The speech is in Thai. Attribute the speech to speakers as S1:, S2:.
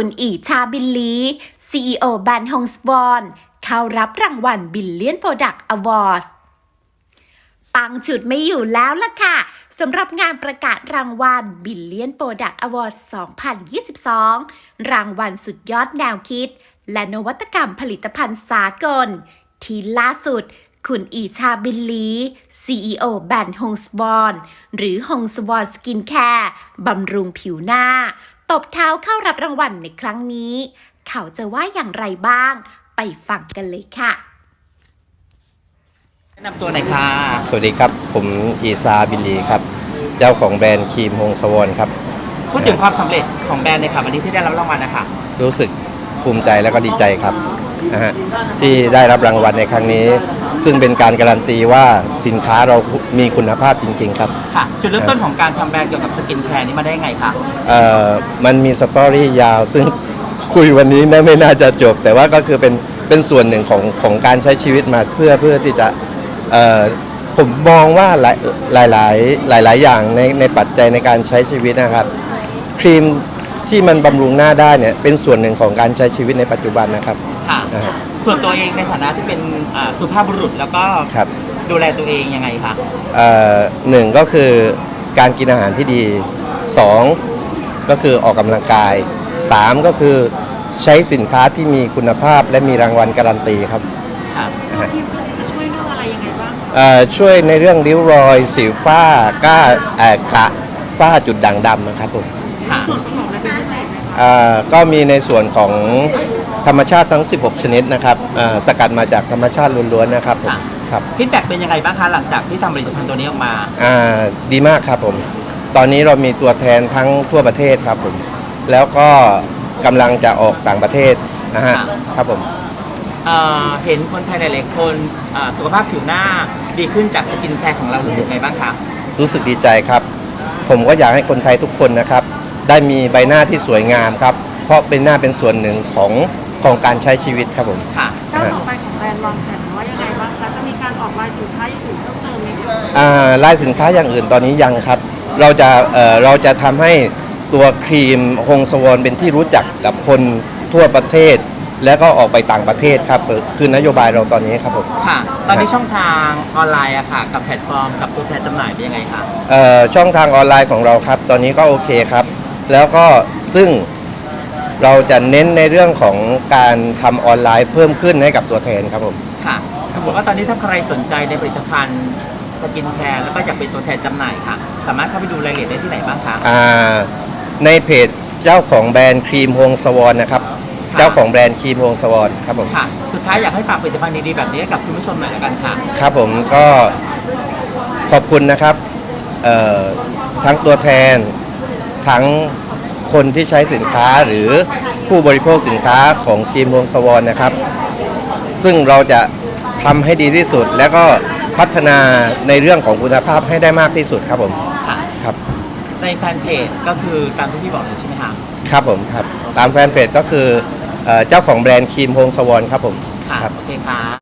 S1: คุณอีชาบิลลี CEO แบรนด์ฮงสวอนเข้ารับรางวัล Billion Product Awards ปังจุดไม่อยู่แล้วล่ะค่ะสำหรับงานประกาศรางวัล Billion Product Awards 2022 รางวัลสุดยอดแนวคิดและนวัตกรรมผลิตภัณฑ์สากลที่ล่าสุดคุณอีชาบิลลี CEO แบรนด์ฮงสวอนหรือฮงสวอนสกินแคร์บำรุงผิวหน้าตบเท้าเข้ารับรางวัลในครั้งนี้เขาจะว่าอย่างไรบ้างไปฟังกันเลยค่ะ
S2: แนะนำตัวหน่อยค่ะ
S3: สวัสดีครับผมอีซาบิลลีครับเจ้าของแบรนด์ครีมฮงสวอนครับ
S2: พูดถึงความสำเร็จของแบรนด์ในค่ะวันนี้ที่ได้รับรางวัลนะคะ
S3: รู้สึกภูมิใจและก็ดีใจครับที่ได้รับรางวัลในครั้งนี้ซึ่งเป็นการการันตีว่าสินค้าเรามีคุณภาพจริงๆครับ
S2: ค่ะจุดเริ่มต้นของการทำแบรนด์เกี่ยวกับสกินแคร์นี้มาได้ไงคะ
S3: มันมีสตอรี่ยาวซึ่งคุยวันนี้ไม่น่าจะจบแต่ว่าก็คือเป็นส่วนหนึ่งของการใช้ชีวิตมาเพื่อที่จะผมมองว่าหลายอย่างในปัจจัยในการใช้ชีวิตนะครับครีมที่มันบำรุงหน้าได้เนี่ยเป็นส่วนหนึ่งของการใช้ชีวิตในปัจจุบันนะครับ
S2: ส่วนตัวเองในฐานะที่เป็นสุภาพบุรุษแล้วก็ดูแลตัวเองยังไงคะ
S3: หนึ่งก็คือการกินอาหารที่ดีสองก็คือออกกำลังกายสามก็คือใช้สินค้าที่มีคุณภาพและมีรางวัลการันตีครับ
S4: ครีมตัวนี้จะช่วยเรื่องอะไรยังไงบ้าง
S3: ช่วยในเรื่องริ้วรอยสิวฝ้ากระฝ้าจุดด่างดำนะครับผม
S4: ส่วนประกอบอะไรเป็นพิเศษไหม
S3: ก็มีในส่วนของธรรมชาติทั้ง16ชนิดนะครับสกัดมาจากธรรมชาติล้วนๆนะครับครับ
S2: ฟีดแบ็กเป็นยังไงบ้างคะหลังจากที่ทำผลิตภัณฑ์ตัวนี้ออกมา
S3: ดีมากครับผมตอนนี้เรามีตัวแทนทั้งทั่วประเทศครับผมแล้วก็กำลังจะออกต่างประเทศนะฮะครับผม
S2: เห็นคนไทยหลายๆคนสุขภาพผิวหน้าดีขึ้นจากสกินแคร์ของเรารู้สึกไงบ้างคะ
S3: รู้สึกดีใจครับผมก็อยากให้คนไทยทุกคนนะครับได้มีใบหน้าที่สวยงามครับเพราะเป็นหน้าเป็นส่วนหนึ่งของการใช้ชีวิตครับผม
S4: ค่ะก้าวต่อไปของแบรนด์วางแผนว่ายังไงบ้างคะจะมีการออกลายสินค้าอย่างอื่นเพิ่มเติมไหม
S3: คะลายสินค้าอย่างอื่นตอนนี้ยังครับเราจะทำให้ตัวครีมฮงสวอนเป็นที่รู้จักกับคนทั่วประเทศแล้วก็ออกไปต่างประเทศครับคือนโยบายเราตอนนี้ครับผม
S2: ค่ะตอนนี้ช่องทางออนไลน์อะค่ะกับแพลตฟอร์มกับตัวแทนจำหน่ายเป็นยังไงคะ
S3: ช่องทางออนไลน์ของเราครับตอนนี้ก็โอเคครับแล้วก็ซึ่งเราจะเน้นในเรื่องของการทำออนไลน์เพิ่มขึ้นให้กับตัวแทนครับผม
S2: ค่ะสมมติว่าตอนนี้ถ้าใครสนใจในผลิตภัณฑ์สกินแคร์แล้วก็อยากเป็นตัวแทนจำหน่ายค่ะสามารถเข้าไปดูรายละเอียดได้ที่ไหนบ้างคะ
S3: ในเพจเจ้าของแบรนด์ครีมฮงสวอนนะครับเจ้าของแบรนด์ครีมฮงสวอนครับผม
S2: ค่ะสุดท้ายอยากให้ฝากผลิตภัณฑ์ดีๆแบบนี้กับคุณผู้ชมหน่อยละกันค่ะ
S3: ครับผมก็ขอบคุณนะครับทั้งตัวแทนทั้งคนที่ใช้สินค้าหรือผู้บริโภคสินค้าของครีมฮงสวอนนะครับซึ่งเราจะทำให้ดีที่สุดแล้วก็พัฒนาในเรื่องของคุณภาพให้ได้มากที่สุดครับผมครับ
S2: ในแฟนเพจก็คือตามที่พี่บอกเลยใช่ไหมครับ
S3: ครับผมครับตามแฟนเพจก็คือเจ้าของแบรนด์ครีมฮงสวอนครับผม
S2: ครับโอเคครับ